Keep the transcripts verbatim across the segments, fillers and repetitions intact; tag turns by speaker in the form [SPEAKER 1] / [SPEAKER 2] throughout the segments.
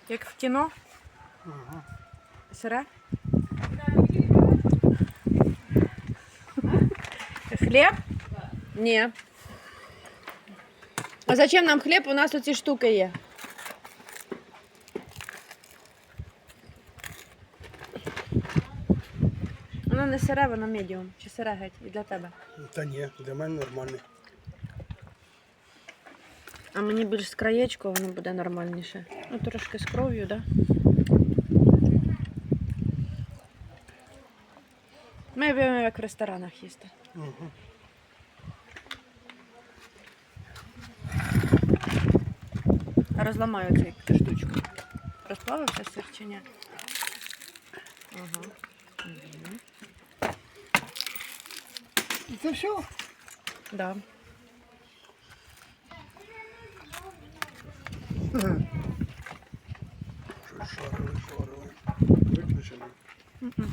[SPEAKER 1] Як в кіно?
[SPEAKER 2] Ага.
[SPEAKER 1] Сире? Хліб? Ні. А зачем нам хліб? У нас оці штуки є. Воно не сире, воно медіум. Чи сире геть? І для тебе.
[SPEAKER 2] Та ні, для мене нормальний.
[SPEAKER 1] А мені більш з краєчку, воно буде нормальніше. Ну, трошки з кров'ю, так? Да? Ми любимо як в ресторанах їсти.
[SPEAKER 2] Угу.
[SPEAKER 1] Розламаю цю штучку. Розплавився сир чи ні? Ага. Угу.
[SPEAKER 2] І це все?
[SPEAKER 1] Да.
[SPEAKER 2] Щось шарили, шарили. Виключено.
[SPEAKER 1] Mm-mm.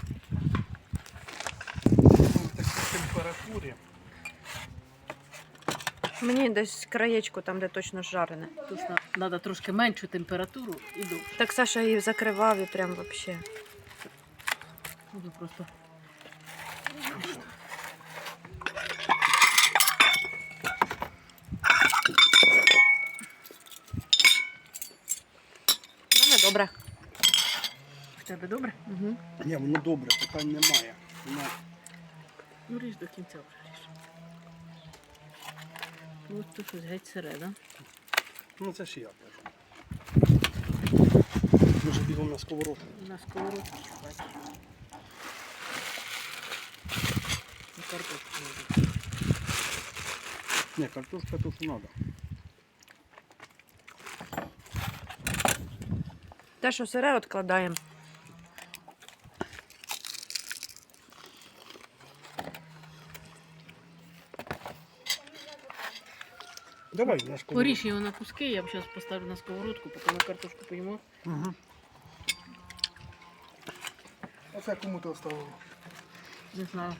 [SPEAKER 2] В такій температурі.
[SPEAKER 1] Мені десь краєчку, там, де точно жарене.
[SPEAKER 3] Тут треба трошки меншу температуру і довше.
[SPEAKER 1] Так Саша її закривав і прям вообще.
[SPEAKER 3] Буду просто.
[SPEAKER 1] У мене добре.
[SPEAKER 3] В тебе добре?
[SPEAKER 1] Угу.
[SPEAKER 2] Ні, воно добре, питань немає. Воно...
[SPEAKER 3] Ну ріж до кінця вже ріж. Ось тут щось геть сире, да?
[SPEAKER 2] Ну це ж я кажу. Може бігом на сковородку.
[SPEAKER 3] На сковородці бачиш. На картошку не буде.
[SPEAKER 2] Ні, картошка то що треба.
[SPEAKER 1] Те, що сире, відкладаємо.
[SPEAKER 2] Давай на сковородку.
[SPEAKER 3] Поріж його на куски, я б зараз поставлю на сковородку, поки ми картошку поїмо.
[SPEAKER 2] Угу. А це кому ти оставив?
[SPEAKER 3] Не знаю.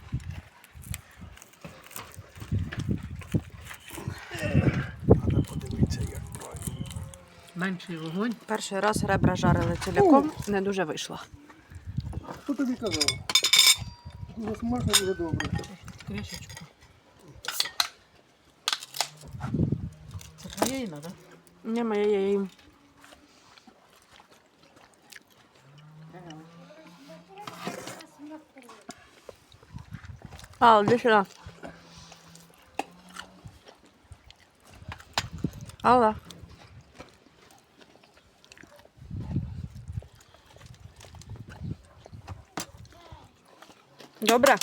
[SPEAKER 2] Треба подивитися, як правильно.
[SPEAKER 3] Менший вогонь.
[SPEAKER 1] Перший раз ребра жарили ціляком, не дуже вийшло.
[SPEAKER 2] Хто тобі казав? Дуже смачно, дуже добре.
[SPEAKER 3] Кришечку. Це твоя їна, так?
[SPEAKER 1] Не моє я їм. А, іди сюди. Алла. Добре?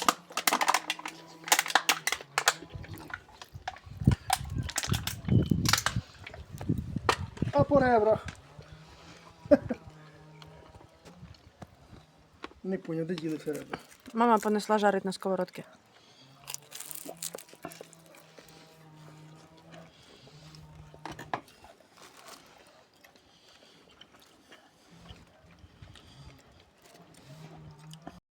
[SPEAKER 2] А по ребрах? Не поняв, де ділися ребра?
[SPEAKER 1] Мама понесла жарить на сковородці.